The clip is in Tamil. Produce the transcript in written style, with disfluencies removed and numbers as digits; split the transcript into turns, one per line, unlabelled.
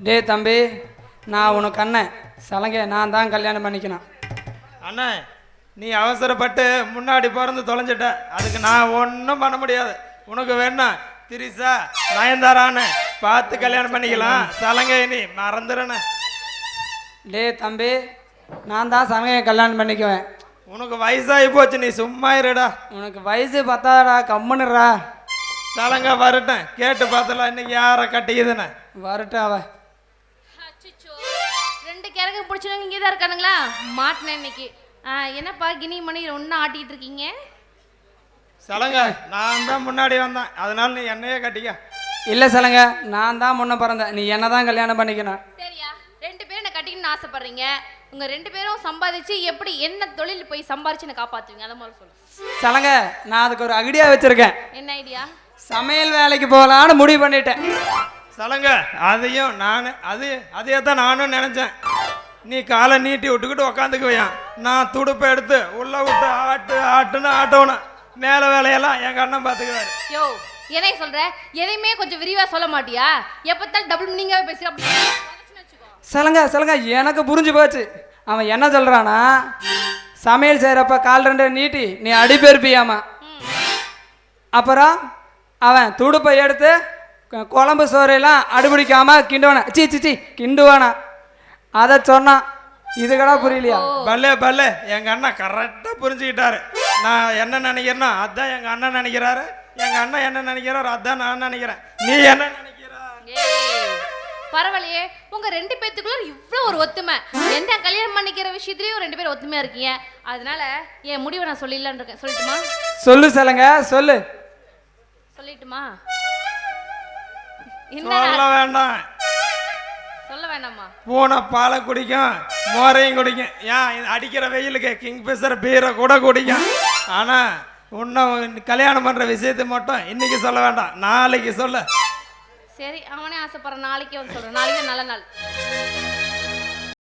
டே தம்பி, நான் உனக்கு அண்ணன் சலங்கை, நான் தான் கல்யாணம் பண்ணிக்கணும்.
அண்ணா நீ அவசரப்பட்டு முன்னாடி பிறந்து தொலைஞ்சிட்ட, அதுக்கு நான் ஒன்றும் பண்ண முடியாது. உனக்கு வேணா திரிசா நயன்தாரான்னு பார்த்து கல்யாணம் பண்ணிக்கலாம். சலங்கை நீ மறந்துடுண்ணே.
டே தம்பி, நான் தான் சலங்கையை கல்யாணம் பண்ணிக்குவேன்.
உனக்கு வயசாகி போச்சு, நீ சும்மா இருடா.
உனக்கு வயசு பத்தாடா, கம்முன்னுறா.
சலங்கை வரட்டும், கேட்டு பார்த்தலாம் இன்னைக்கு யாரை கட்டிக்குதுன்னு.
வரட்டும் அவ.
ரெண்டு கிழக்கு பிடிச்சவங்க இங்கே தான் இருக்கானுங்களா? மாட்டினேன் இன்னைக்கு. என்னப்பா கினி மணி ஒன்றா ஆட்டிகிட்டு இருக்கீங்க?
சலங்கை நான் தான் முன்னாடி வந்தேன், அதனால நீ என்னையே கட்டிக்க.
இல்லை சலங்கை, நான் தான் முன்ன பிறந்தேன், நீ என்ன தான் கல்யாணம் பண்ணிக்கணும்.
சரியா, ரெண்டு பேரும் என்ன கட்டிக்கணும்னு ஆசைப்படுறீங்க. உங்க ரெண்டு பேரும் சம்பாதிச்சு எப்படி என்ன தொழில் போய் சம்பாதிச்சு என்ன காப்பாற்றுவீங்க, அதை மாதிரி சொல்லு.
சலங்கை, நான் அதுக்கு ஒரு ஐடியா வச்சிருக்கேன்.
என்ன ஐடியா?
சமையல் வேலைக்கு போகலான்னு முடிவு பண்ணிட்டேன்.
சலங்கை அதையும் நான் அதையே தான் நானும் நினச்சேன். நீ காலை நீட்டி விட்டுக்கிட்டு உக்காந்துக்குவையான், நான் துடுப்பை எடுத்து உள்ள விட்டு ஆட்டுன்னு ஆட்டணும். மேலே வேலையெல்லாம் எங்கள் அண்ணன் பார்த்துக்குவாரு.
யோ என்ன சொல்ற? எதையுமே கொஞ்சம் விரிவா சொல்ல மாட்டியா? எப்பத்தான் டபுள் மீனிங்காவே பேசுற. அப்படி
சலங்கை சலங்கை, எனக்கு புரிஞ்சு போச்சு. அவன் என்ன சொல்றானா, சமையல் செய்கிறப்ப கால் ரெண்டு நீட்டி நீ அடிப்பெருப்பியாமா. அப்புறம் அவன் துடுப்பை எடுத்து குழம்பு சோறையெல்லாம் அடிபிடிக்காம கிண்டுவானா, சி கிண்டுவானா. அதை சொன்னான். இது கூட புரியலையா?
பல்லே எங்கள் அண்ணன் கரெக்டாக புரிஞ்சுக்கிட்டாரு. நான் என்ன நினைக்கிறேன்னா அதான் எங்கள் அண்ணன் நினைக்கிறாரு, எங்கள் அண்ணன் என்ன நினைக்கிறாரு அதான் நான் நினைக்கிறேன். நீ என்ன நினைக்கிறா?
பரவாயில்லையே, உங்க ரெண்டு பேத்துக்குள்ள இவ்வளோ ஒரு ஒத்துமை. என்ன கல்யாணம் பண்ணிக்கிற விஷயத்துலயும் ரெண்டு பேரும் ஒத்துமையா இருக்கீங்க. அதனால என் முடிவை நான் சொல்லிடலான்னு இருக்கேன். சொல்லட்டுமா?
சொல்லு சலங்கை, சொல்லு.
சொல்லிட்டுமா?
சொல்ல வேண்டாம்.
சொல்ல வேண்டாமா?
பூனை பாலை குடிக்கும், மோரையும் குடிக்கும். ஏன் அடிக்கிற வெயிலுக்கு கிங்ஃபிஷர் பீரை கூட குடிக்கும். ஆனால் இன்னும் கல்யாணம் பண்ணுற விஷயத்தை மட்டும் இன்னைக்கு சொல்ல வேண்டாம், நாளைக்கு சொல்ல.
சரி, அவனே ஆசைப்படுற நாளைக்கு வந்து சொல்கிறேன். நாளைக்கு நல்ல நாள்.